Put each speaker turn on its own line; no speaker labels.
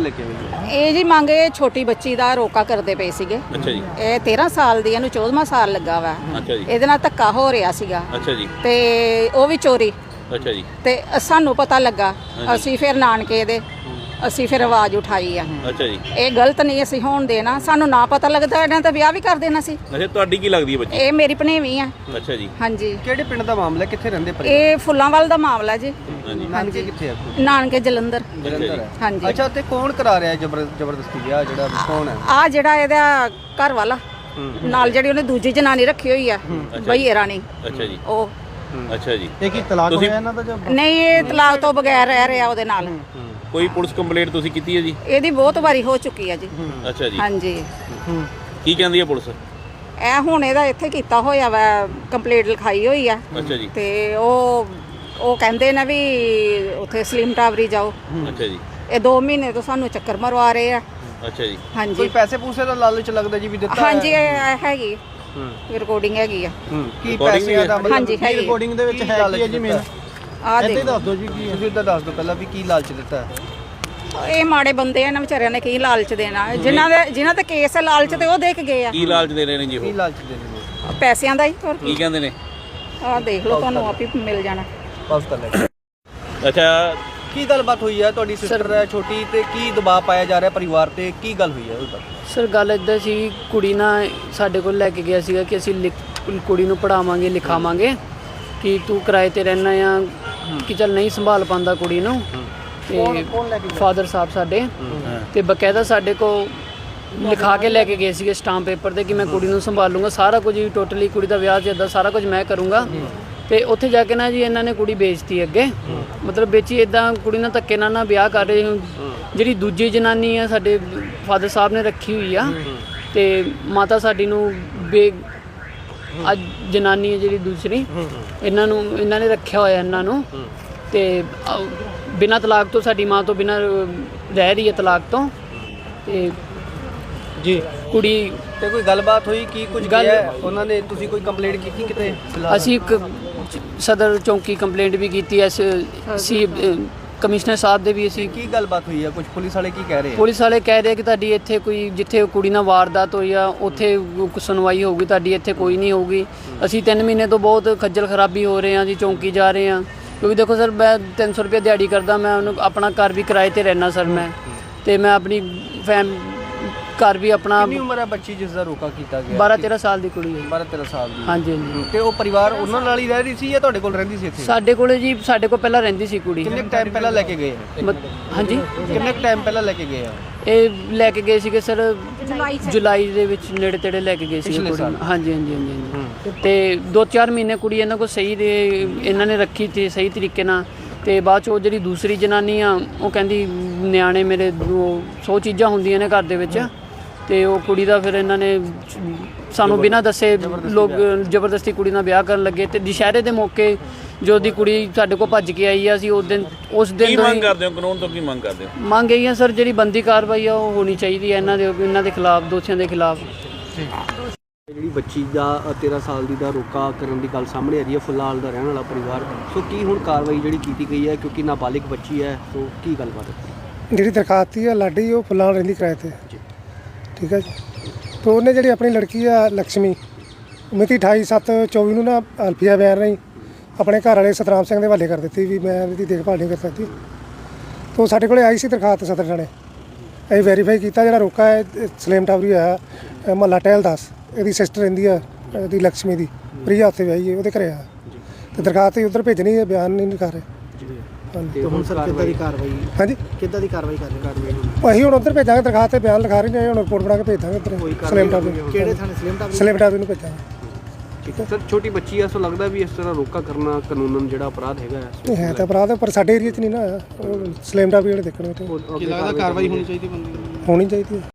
लेके आए?
ਇਹ ਜੀ ਮੰਗੇ ਛੋਟੀ ਬੱਚੀ ਦਾ ਰੋਕਾ ਕਰਦੇ ਪਏ ਸੀਗੇ।
ਅੱਛਾ ਜੀ।
ਇਹ 13 ਸਾਲ ਦੀ, ਇਹਨੂੰ 14ਵਾਂ ਸਾਲ ਲੱਗਾ ਵਾ।
ਅੱਛਾ ਜੀ।
ਇਹਦੇ ਨਾਲ ਧੱਕਾ ਹੋ ਰਿਹਾ ਸੀਗਾ
ਅੱਛਾ ਜੀ।
ਤੇ ਉਹ ਵੀ ਚੋਰੀ।
ਅੱਛਾ ਜੀ।
ਤੇ ਸਾਨੂੰ ਪਤਾ ਲੱਗਾ, ਅਸੀਂ ਫਿਰ ਨਾਨਕੇ ਦੇ ਅਸੀਂ ਫਿਰ ਆਵਾਜ਼ ਉਠਾਈ ਆ।
ਅੱਛਾ ਜੀ।
ਇਹ ਗਲਤ ਨਹੀਂ ਅਸੀਂ ਹੋਣ ਦੇਣਾ, ਸਾਨੂੰ ਨਾ ਪਤਾ ਲੱਗਦਾ ਇਹਨਾਂ ਤਾਂ ਵਿਆਹ ਵੀ ਕਰ ਦੇਣਾ ਸੀ।
ਅੱਛਾ, ਤੁਹਾਡੀ ਕੀ ਲੱਗਦੀ ਹੈ ਬੱਚੀ?
ਇਹ ਮੇਰੀ ਭਣੇਵੀਂ ਆ।
ਅੱਛਾ ਜੀ।
ਹਾਂਜੀ।
ਕਿਹੜੇ ਪਿੰਡ ਦਾ ਮਾਮਲਾ, ਕਿੱਥੇ ਰਹਿੰਦੇ ਪਰ?
ਇਹ ਫੁੱਲਾਂਵਾਲ ਦਾ ਮਾਮਲਾ ਜੀ।
ਨਾਨਕੇ ਕਿੱਥੇ ਆ?
ਨਾਨਕੇ ਜਲੰਧਰ।
ਜਲੰਧਰ ਹੈ।
ਹਾਂਜੀ।
ਅੱਛਾ, ਤੇ ਕੌਣ ਕਰਾ ਰਿਹਾ ਜ਼ਬਰਦਸਤੀ ਵਿਆਹ, ਜਿਹੜਾ ਕੌਣ ਹੈ?
ਆ ਜਿਹੜਾ ਇਹਦਾ ਘਰ ਵਾਲਾ ਨਾਲ ਜਿਹੜੀ ਉਹਨੇ ਦੂਜੀ ਜਨਾਨੀ ਰੱਖੀ ਹੋਈ ਆ, ਬਈ ਰਾਣੀ।
ਅੱਛਾ ਜੀ।
ਉਹ
ਅੱਛਾ ਜੀ।
ਇਹ ਕੀ ਤਲਾਕ ਹੋਇਆ ਇਹਨਾਂ ਦਾ ਜਾਂ?
ਨਹੀਂ, ਇਹ ਤਲਾਕ ਤੋਂ ਬਗੈਰ ਰਹਿ ਰਿਹਾ ਉਹਦੇ ਨਾਲ।
ਕੋਈ ਪੁਲਿਸ ਕੰਪਲੇਂਟ ਤੁਸੀਂ ਕੀਤੀ ਹੈ ਜੀ?
ਇਹਦੀ ਬਹੁਤ ਵਾਰੀ ਹੋ ਚੁੱਕੀ ਆ ਜੀ।
ਅੱਛਾ ਜੀ।
ਹਾਂਜੀ।
ਕੀ ਕਹਿੰਦੀ ਹੈ ਪੁਲਿਸ?
ਇਹ ਹੁਣ ਇਹਦਾ ਇੱਥੇ ਕੀਤਾ ਹੋਇਆ ਵਾ, ਕੰਪਲੇਂਟ ਲਿਖਾਈ ਹੋਈ ਆ।
ਅੱਛਾ ਜੀ।
ਤੇ ਉਹ ਕਹਿੰਦੇ ਨੇ ਵੀ ਉੱਥੇ ਸਲੀਮ ਟਾਵਰੀ ਜਾਓ।
ਅੱਛਾ ਜੀ।
ਇਹ 2 ਮਹੀਨੇ ਤੋਂ ਸਾਨੂੰ ਚੱਕਰ ਮਰਵਾ ਰਹੇ ਆ।
ਅੱਛਾ ਜੀ।
ਕੋਈ
ਹਾਂਜੀ।
ਪੈਸੇ ਪੂਸੇ ਦਾ ਲਾਲਚ ਲੱਗਦਾ ਜੀ ਵੀ ਦਿੱਤਾ?
ਹਾਂਜੀ, ਇਹ ਹੈਗੀ ਰਿਕਾਰਡਿੰਗ ਹੈਗੀ ਆ।
ਕੀ ਪੈਸੇ ਦਾ ਮਤਲਬ?
ਹਾਂਜੀ, ਹੈਗੀ।
ਰਿਕਾਰਡਿੰਗ ਦੇ ਵਿੱਚ ਹੈ ਕੀ ਹੈ ਜੀ ਮੇਨ?
ਆ ਦੇਖ,
ਦੱਸ ਦਿਓ ਜੀ ਕੀ ਹੈ। ਤੁਸੀਂ ਤਾਂ ਦੱਸ ਦਿਓ ਪਹਿਲਾਂ ਵੀ ਕੀ ਲਾਲਚ ਦਿੱਤਾ ਹੈ।
ਇਹ ਮਾੜੇ ਬੰਦੇ ਆ, ਇਹਨਾਂ ਵਿਚਾਰਿਆਂ ਨੇ ਕੀ ਲਾਲਚ ਦੇਣਾ। ਜਿਨ੍ਹਾਂ ਤੇ ਕੇਸ ਹੈ ਲਾਲਚ ਤੇ ਉਹ ਦੇ ਕੇ ਗਏ ਆ।
ਕੀ ਲਾਲਚ ਦੇ ਰਹੇ ਨੇ ਜੀ
ਕੀ
ਉਹ?
ਲਾਲਚ ਦੇ ਰਹੇ ਨੇ?
ਪੈਸਿਆਂ ਦਾ ਹੀ। ਹੋਰ
ਕੀ ਕਹਿੰਦੇ ਨੇ?
ਆਹ ਦੇਖ ਲਓ, ਤੁਹਾਨੂੰ ਆਪ ਹੀ ਮਿਲ ਜਾਣਾ।
ਬਸ ਤਾਂ ਲੈ।
ਅੱਛਾ,
ਕੀ ਗੱਲਬਾਤ ਹੋਈ ਹੈ? ਤੁਹਾਡੀ ਸਿਸਟਰ ਹੈ ਛੋਟੀ, ਤੇ ਕੀ ਦਬਾਅ ਪਾਇਆ ਜਾ ਰਿਹਾ ਪਰਿਵਾਰ ਤੇ? ਕੀ ਗੱਲ ਹੋਈ ਹੈ ਉਹ ਦੱਸੋ।
ਸਰ ਗੱਲ ਇੱਦਾਂ ਸੀ, ਕੁੜੀ ਨਾ ਸਾਡੇ ਕੋਲ ਲੈ ਕੇ ਗਿਆ ਸੀਗਾ ਕਿ ਅਸੀਂ ਕੁੜੀ ਨੂੰ ਪੜ੍ਹਾਵਾਂਗੇ ਲਿਖਾਵਾਂਗੇ, ਕਿ ਤੂੰ ਕਿਰਾਏ ਤੇ ਰਹਿਣਾ ਆ, ਕਿ ਚੱਲ ਨਹੀਂ ਸੰਭਾਲ ਪਾਉਂਦਾ ਕੁੜੀ ਨੂੰ। ਤੇ ਫਾਦਰ ਸਾਹਿਬ ਸਾਡੇ ਤੇ ਬਕਾਇਦਾ ਸਾਡੇ ਕੋਲ ਲਿਖਾ ਕੇ ਲੈ ਕੇ ਗਏ ਸੀਗੇ ਸਟਾਂਪ ਪੇਪਰ ਤੇ, ਕਿ ਮੈਂ ਕੁੜੀ ਨੂੰ ਸੰਭਾਲੂੰਗਾ, ਸਾਰਾ ਕੁਝ ਹੀ ਟੋਟਲੀ ਕੁੜੀ ਦਾ ਵਿਆਹ ਜਿੱਦਾਂ ਸਾਰਾ ਕੁਝ ਮੈਂ ਕਰੂੰਗਾ। ਤੇ ਉੱਥੇ ਜਾ ਕੇ ਨਾ ਜੀ ਇਹਨਾਂ ਨੇ ਕੁੜੀ ਵੇਚਤੀ ਅੱਗੇ, ਮਤਲਬ ਵੇਚੀ ਇੱਦਾਂ ਕੁੜੀ ਨਾਲ ਧੱਕੇ ਨਾਲ ਨਾ ਵਿਆਹ ਕਰ ਰਹੇ। ਜਿਹੜੀ ਦੂਜੀ ਜਨਾਨੀ ਆ ਸਾਡੇ ਫਾਦਰ ਸਾਹਿਬ ਨੇ ਰੱਖੀ ਹੋਈ ਆ, ਤੇ ਮਾਤਾ ਸਾਡੀ ਨੂੰ ਅੱਜ ਜਨਾਨੀ ਹੈ ਜਿਹੜੀ ਦੂਸਰੀ, ਇਹਨਾਂ ਨੇ ਰੱਖਿਆ ਹੋਇਆ ਇਹਨਾਂ ਨੂੰ। ਤੇ ਬਿਨਾਂ ਤਲਾਕ ਤੋਂ ਸਾਡੀ ਮਾਂ ਤੋਂ ਬਿਨਾਂ ਰਹਿ ਰਹੀ ਹੈ ਤਲਾਕ ਤੋਂ। ਤੇ
ਜੀ
ਕੁੜੀ
ਤੇ ਕੋਈ ਗੱਲਬਾਤ ਹੋਈ? ਕੀ ਕੁਝ
ਗੱਲ
ਗਿਆ ਉਹਨਾਂ ਨੇ? ਤੁਸੀਂ ਕੋਈ ਕੰਪਲੇਂਟ ਕੀਤੀ ਕਿਤੇ?
ਅਸੀਂ ਇੱਕ ਸਦਰ ਚੌਂਕੀ ਕੰਪਲੇਂਟ ਵੀ ਕੀਤੀ ਐ, ਸੀ ਕਮਿਸ਼ਨਰ ਸਾਹਿਬ ਦੇ ਵੀ। ਅਸੀਂ
ਕੀ ਗੱਲਬਾਤ ਹੋਈ ਹੈ? ਕੁਝ ਪੁਲਿਸ ਵਾਲੇ ਕੀ ਕਹਿ ਰਹੇ ਆ?
ਪੁਲਿਸ ਵਾਲੇ ਕਹਿ ਰਹੇ ਕਿ ਤੁਹਾਡੀ ਇੱਥੇ ਕੋਈ, ਜਿੱਥੇ ਕੁੜੀ ਨਾਲ ਵਾਰਦਾਤ ਹੋਈ ਆ ਉੱਥੇ ਸੁਣਵਾਈ ਹੋਊਗੀ, ਤੁਹਾਡੀ ਇੱਥੇ ਕੋਈ ਨਹੀਂ ਹੋਊਗੀ। ਅਸੀਂ 3 ਮਹੀਨੇ ਤੋਂ ਬਹੁਤ ਖੱਜਲ ਖਰਾਬੀ ਹੋ ਰਹੇ ਹਾਂ ਜੀ, ਚੌਂਕੀ ਜਾ ਰਹੇ ਹਾਂ। ਕਿਉਂਕਿ ਦੇਖੋ ਸਰ, ਮੈਂ 300 ਰੁਪਏ ਦਿਹਾੜੀ ਕਰਦਾ, ਮੈਂ ਉਹਨੂੰ ਆਪਣਾ ਘਰ ਵੀ ਕਿਰਾਏ ਤੇ ਰਹਿਣਾ ਸਰ ਮੈਂ, ਤੇ ਮੈਂ ਆਪਣੀ ਘਰ ਵੀ ਆਪਣਾ।
ਕਿੰਨੀ ਉਮਰ ਹੈ ਬੱਚੀ ਜਿਸ ਦਾ ਰੋਕਾ ਕੀਤਾ ਗਿਆ?
12-13 ਸਾਲ ਦੀ ਕੁੜੀ ਹੈ।
12-13 ਸਾਲ ਦੀ?
ਹਾਂਜੀ ਹਾਂਜੀ।
ਤੇ ਉਹ ਪਰਿਵਾਰ ਉਹਨਾਂ ਨਾਲ ਹੀ ਰਹਿ ਰਹੀ ਸੀ ਜਾਂ ਤੁਹਾਡੇ ਕੋਲ ਰਹਿੰਦੀ ਸੀ ਇੱਥੇ?
ਸਾਡੇ ਕੋਲੇ ਜੀ, ਸਾਡੇ ਕੋਲ ਪਹਿਲਾਂ ਰਹਿੰਦੀ ਸੀ ਕੁੜੀ।
ਕਿੰਨੇ ਟਾਈਮ ਪਹਿਲਾਂ ਲੈ ਕੇ ਗਏ?
ਹਾਂਜੀ,
ਕਿੰਨੇ ਟਾਈਮ ਪਹਿਲਾਂ ਲੈ ਕੇ ਗਏ ਆ?
ਇਹ ਲੈ ਕੇ ਗਏ ਸੀਗੇ ਸਰ ਜੁਲਾਈ ਦੇ ਵਿੱਚ, ਨੇੜੇ ਤੇੜੇ ਲੈ ਕੇ ਗਏ ਸੀ ਕੁੜੀ। ਹਾਂਜੀ ਹਾਂਜੀ ਹਾਂਜੀ। ਤੇ 2-4 ਮਹੀਨੇ ਕੁੜੀ ਇਹਨਾਂ ਕੋਲ ਸਹੀ ਦੇ ਇਹਨਾਂ ਨੇ ਰੱਖੀ ਸੀ ਸਹੀ ਤਰੀਕੇ ਨਾਲ। ਤੇ ਬਾਅਦ 'ਚ ਉਹ ਜਿਹੜੀ ਦੂਸਰੀ ਜਨਾਨੀ ਆ, ਉਹ ਕਹਿੰਦੀ ਨਿਆਣੇ ਮੇਰੇ 100 ਚੀਜ਼ਾਂ ਹੁੰਦੀਆਂ ਨੇ ਘਰ ਦੇ ਵਿੱਚ, ਤੇ ਉਹ ਕੁੜੀ ਦਾ ਫਿਰ ਇਹਨਾਂ ਨੇ ਸਾਨੂੰ ਬਿਨਾਂ ਦੱਸੇ ਲੋਕ ਜ਼ਬਰਦਸਤੀ ਕੁੜੀ ਨਾਲ ਵਿਆਹ ਕਰਨ ਲੱਗੇ। ਤੇ ਦੁਸ਼ਹਿਰੇ ਦੇ ਮੌਕੇ ਜੋ ਦੀ ਕੁੜੀ ਸਾਡੇ ਕੋਲ ਭੱਜ ਕੇ ਆਈ ਆ, ਅਸੀਂ ਉਸ ਦਿਨ
ਕੀ ਮੰਗ ਕਰਦੇ ਹੋ? ਕਾਨੂੰਨ ਤੋਂ ਕੀ ਮੰਗ ਕਰਦੇ ਹੋ?
ਮੰਗ ਇਹੀ ਆ ਸਰ, ਜਿਹੜੀ ਬੰਦੀ ਕਾਰਵਾਈ ਆ ਉਹ ਹੋਣੀ ਚਾਹੀਦੀ ਹੈ ਇਹਨਾਂ ਦੇ ਖਿਲਾਫ, ਦੋਸ਼ੀਆਂ ਦੇ ਖਿਲਾਫ।
ਜਿਹੜੀ ਬੱਚੀ ਦਾ 13 ਸਾਲ ਦੀ ਦਾ ਰੋਕਾ ਕਰਨ ਦੀ ਗੱਲ ਸਾਹਮਣੇ ਆ ਰਹੀ ਹੈ, ਫੁੱਲਾਲ ਦਾ ਰਹਿਣ ਵਾਲਾ ਪਰਿਵਾਰ, ਸੋ ਕੀ ਹੁਣ ਕਾਰਵਾਈ ਜਿਹੜੀ ਕੀਤੀ ਗਈ ਹੈ? ਕਿਉਂਕਿ ਨਾਬਾਲਿਗ ਬੱਚੀ ਹੈ, ਸੋ ਕੀ ਗੱਲਬਾਤ ਹੈ?
ਜਿਹੜੀ ਦਰਖਾਸਤੀ ਆ ਲਾਡੀ, ਉਹ ਫੁੱਲਾਲ ਰਹਿੰਦੀ ਕਿਰਾਏ ਤੇ, ਠੀਕ ਹੈ ਜੀ। ਤਾਂ ਉਹਨੇ ਜਿਹੜੀ ਆਪਣੀ ਲੜਕੀ ਆ ਲక్ష్ਮੀ, ਮਿਤੀ 28/7/24 ਨੂੰ ਨਾ ਅਲਫੀਆ ਬਿਆਨ ਰਹੀ ਆਪਣੇ ਘਰ ਵਾਲੇ ਸਤਰਾਮ ਸਿੰਘ ਦੇ ਹਵਾਲੇ ਕਰ ਦਿੱਤੀ ਵੀ ਮੈਂ ਇਹਦੀ ਦੇਖਭਾਲ ਨਹੀਂ ਕਰ ਸਕਦੀ। ਤਾਂ ਸਾਡੇ ਕੋਲੇ ਆਈ ਸੀ ਦਰਖਾਸਤ ਸਦਰ ਥਾਣੇ, ਅਸੀਂ ਵੈਰੀਫਾਈ ਕੀਤਾ। ਜਿਹੜਾ ਰੋਕਾ ਹੈ ਸਲੇਮ ਟਾਵਰੀ ਹੋਇਆ ਮਹੱਲਾ ਟਹਿਲ ਦਾਸ, ਇਹਦੀ ਸਿਸਟਰ ਰਹਿੰਦੀ ਆ ਇਹਦੀ ਲక్ష్ਮੀ ਦੀ, ਪ੍ਰਿਆ ਉੱਥੇ ਵਿਆਹੀ ਹੈ, ਉਹਦੇ ਘਰੇ ਆ। ਤੇ ਦਰਖਾਸਤ ਉੱਧਰ ਭੇਜਣੀ ਹੈ, ਬਿਆਨ ਨਹੀਂ ਕਰ ਰਹੇ।
ਤੇ ਹੁਣ ਸਰ ਕਿੱਦਾਂ ਦੀ ਕਾਰਵਾਈ?
ਹਾਂਜੀ,
ਕਿੱਦਾਂ ਦੀ ਕਾਰਵਾਈ ਕਰ ਰਹੇ?
ਅਸੀਂ ਹੁਣ ਉੱਧਰ ਭੇਜਾਂਗੇ, ਦਰਖਾਸਤ ਤੇ ਬਿਆਨ ਲਿਖਾ ਰਹੇ ਨੇ, ਹੁਣ ਰਿਪੋਰਟ ਬਣਾ ਕੇ ਭੇਜ ਦਾਂਗੇ ਉੱਧਰ ਸਲੇਮ ਟਾਵਰੀ।
ਕਿਹੜੇ ਥਾਣੇ?
ਸਲੇਮ ਟਾਵਰੀ ਨੂੰ ਭੇਜਾਂਗੇ।
ਠੀਕ ਹੈ ਸਰ, ਛੋਟੀ ਬੱਚੀ ਹੈ, ਸੋ ਲੱਗਦਾ ਵੀ ਇਸ ਤਰ੍ਹਾਂ ਰੋਕਾ ਕਰਨਾ ਕਾਨੂੰਨ ਜਿਹੜਾ ਅਪਰਾਧ ਹੈਗਾ?
ਨਹੀਂ ਹੈ ਤਾਂ ਅਪਰਾਧ, ਪਰ ਸਾਡੇ ਏਰੀਆ 'ਚ ਨਹੀਂ ਨਾ, ਸਲੇਮ ਟਾਵਰੀ ਜਿਹੜੇ ਦੇਖਣੇ ਉੱਥੇ
ਕੀ ਲੱਗਦਾ ਕਾਰਵਾਈ ਹੋਣੀ ਚਾਹੀਦੀ ਬੰਦੇ ਦੀ?
ਹੋਣੀ ਚਾਹੀਦੀ ਹੈ।